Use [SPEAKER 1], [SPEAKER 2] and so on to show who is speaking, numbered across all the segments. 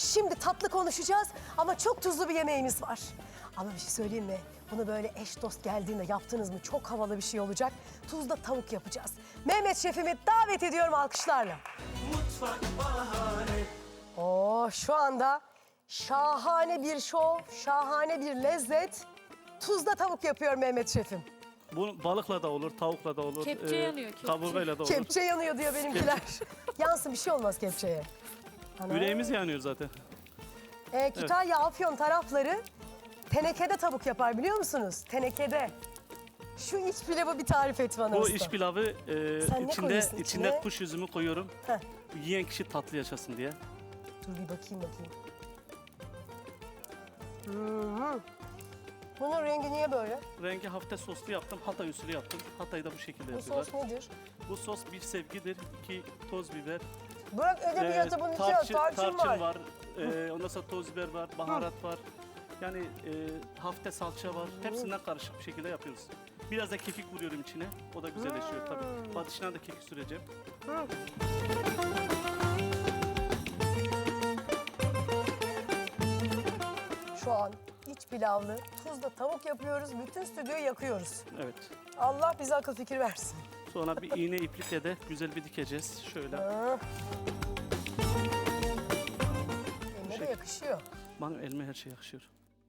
[SPEAKER 1] Şimdi tatlı konuşacağız ama çok tuzlu bir yemeğimiz var. Ama bir şey söyleyeyim mi? Bunu böyle eş dost geldiğinde yaptınız mı çok havalı bir şey olacak. Tuzla tavuk yapacağız. Mehmet şefimi davet ediyorum alkışlarla.
[SPEAKER 2] Mutfak bahane.
[SPEAKER 1] Şu anda şahane bir şov, şahane bir lezzet. Tuzla tavuk yapıyor Mehmet şefim.
[SPEAKER 3] Bu balıkla da olur, tavukla da olur.
[SPEAKER 4] Kepçe yanıyor, kepçe.
[SPEAKER 3] Kaburgayla da olur.
[SPEAKER 1] Kepçe yanıyor diyor benimkiler. Yansın bir şey olmaz kepçeye. Ana.
[SPEAKER 3] Yüreğimiz yanıyor zaten.
[SPEAKER 1] Kütahya, Afyon tarafları tenekede tavuk yapar biliyor musunuz? Tenekede. Şu iç pilavı bir tarif et bana
[SPEAKER 3] Bu
[SPEAKER 1] usta.
[SPEAKER 3] iç pilavı
[SPEAKER 1] Sen ne koyuyorsun içine?
[SPEAKER 3] içinde kuş üzümü koyuyorum.
[SPEAKER 1] Heh.
[SPEAKER 3] Yiyen kişi tatlı yaşasın diye.
[SPEAKER 1] Dur bir bakayım. Bunun rengi niye böyle?
[SPEAKER 3] Rengi hafif soslu yaptım, Hatay usulü yaptım. Hatay'da bu şekilde
[SPEAKER 1] Bu
[SPEAKER 3] yapıyorlar.
[SPEAKER 1] sos nedir?
[SPEAKER 3] Bu sos bir sevgidir, 2 toz biber.
[SPEAKER 1] Bırak edebiyatı bunun içine tarçın var.
[SPEAKER 3] Ondan sonra toz biber var, baharat var. Yani hafif salça var. Hepsinden karışık bir şekilde yapıyoruz. Biraz da kekik vuruyorum içine. O da güzelleşiyor tabii. Batışına da kekik süreceğim.
[SPEAKER 1] Şu an iç pilavlı tuzla tavuk yapıyoruz. Bütün stüdyoyu yakıyoruz.
[SPEAKER 3] Evet.
[SPEAKER 1] Allah bize akıl fikir versin.
[SPEAKER 3] Sonra bir iğne iplikle de güzel bir dikeceğiz. Şöyle.
[SPEAKER 1] Eline de yakışıyor.
[SPEAKER 3] Benim elime her şey yakışıyor.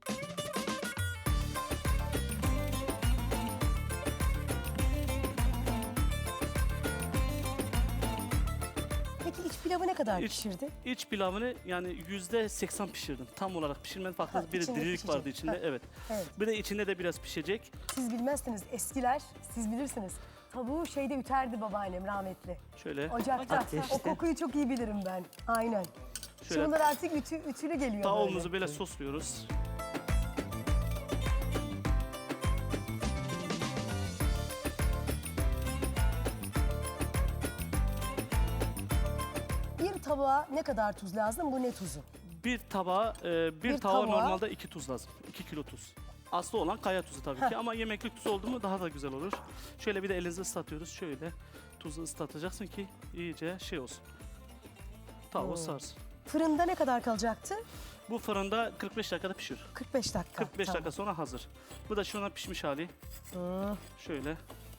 [SPEAKER 1] Peki iç pilavı ne kadar
[SPEAKER 3] İç-
[SPEAKER 1] pişirdi?
[SPEAKER 3] İç pilavını yani %80 pişirdim. Tam olarak pişirmedim. Farklı
[SPEAKER 1] Ha,
[SPEAKER 3] bir
[SPEAKER 1] içinde
[SPEAKER 3] dirilik
[SPEAKER 1] pişecek.
[SPEAKER 3] vardı içinde.
[SPEAKER 1] Ha.
[SPEAKER 3] Evet.
[SPEAKER 1] Evet.
[SPEAKER 3] Bir de içinde de biraz pişecek.
[SPEAKER 1] Siz bilmezsiniz eskiler, siz bilirsiniz. Tavuğu şeyde üterdi babaannem rahmetli.
[SPEAKER 3] Şöyle.
[SPEAKER 1] Ocakta. O kokuyu çok iyi bilirim ben. Aynen.
[SPEAKER 3] Şöyle.
[SPEAKER 1] Şunlar artık ütülü geliyor
[SPEAKER 3] Tavuğumuzu böyle sosluyoruz.
[SPEAKER 1] Bir tabağa ne kadar tuz lazım? Bu ne tuzu?
[SPEAKER 3] Bir tabağa,
[SPEAKER 1] Bir
[SPEAKER 3] tabağa
[SPEAKER 1] tabağa-
[SPEAKER 3] normalde 2 tuz lazım. 2 kilo tuz. Aslı olan kaya tuzu tabii ki ama yemeklik tuz oldu mu daha da güzel olur. Şöyle bir de elinizi ıslatıyoruz. Şöyle tuzu ıslatacaksın ki iyice şey olsun. Tavuğu sarsın.
[SPEAKER 1] Fırında ne kadar kalacaktı?
[SPEAKER 3] Bu fırında 45 dakikada pişiyor.
[SPEAKER 1] 45 dakika.
[SPEAKER 3] 45 dakika sonra hazır. Bu da şu an pişmiş hali. Şöyle.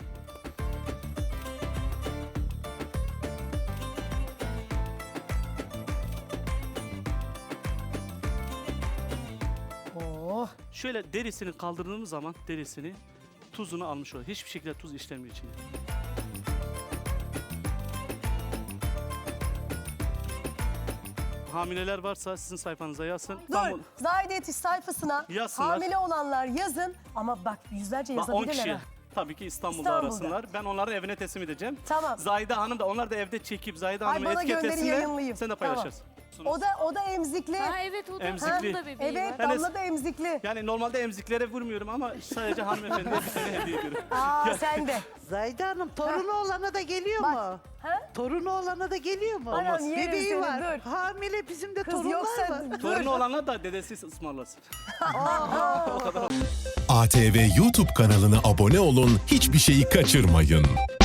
[SPEAKER 1] Oh.
[SPEAKER 3] Şöyle derisini kaldırdığımız zaman derisini tuzunu almış oluyor. Hiçbir şekilde tuz işlemiyor içine. Hamileler varsa sizin sayfanıza yazsın.
[SPEAKER 1] Dur, Zahide Yetiş sayfasına
[SPEAKER 3] Yazsınlar.
[SPEAKER 1] hamile olanlar yazın. Ama bak yüzlerce
[SPEAKER 3] Bak 10
[SPEAKER 1] yazabilirler.
[SPEAKER 3] kişi
[SPEAKER 1] ha.
[SPEAKER 3] tabii ki İstanbul'da,
[SPEAKER 1] İstanbul'da.
[SPEAKER 3] arasınlar. Ben onların evine teslim edeceğim.
[SPEAKER 1] Tamam.
[SPEAKER 3] Zahide Hanım da onlar da evde çekip Zahide
[SPEAKER 1] Ay,
[SPEAKER 3] Hanım'a
[SPEAKER 1] bana gönderi
[SPEAKER 3] etiketlesinler.
[SPEAKER 1] yayınlayayım.
[SPEAKER 3] Sen de
[SPEAKER 1] Tamam.
[SPEAKER 3] paylaşırsın.
[SPEAKER 1] O da emzikli.
[SPEAKER 4] Ha evet o da
[SPEAKER 3] Emzikli.
[SPEAKER 4] onun da bebeği
[SPEAKER 1] Evet,
[SPEAKER 4] var.
[SPEAKER 1] Damla da emzikli.
[SPEAKER 3] Yani normalde emziklere vurmuyorum ama sadece hanımefendiye bir tane hediye ediyorum.
[SPEAKER 1] Aa sen de.
[SPEAKER 5] Zahide Hanım torunu olana da geliyor mu?
[SPEAKER 1] Ha?
[SPEAKER 5] Torunu olana da geliyor mu?
[SPEAKER 1] Anam, yerim
[SPEAKER 5] Bebeği
[SPEAKER 1] seni,
[SPEAKER 5] var.
[SPEAKER 1] dur.
[SPEAKER 5] Hamile bizim de
[SPEAKER 1] Kız
[SPEAKER 5] torunlar
[SPEAKER 1] yoksa
[SPEAKER 5] var.
[SPEAKER 1] dur.
[SPEAKER 3] Torunu olana da dedesi ısmarlasın.
[SPEAKER 6] ATV YouTube kanalına abone olun, hiçbir şeyi kaçırmayın.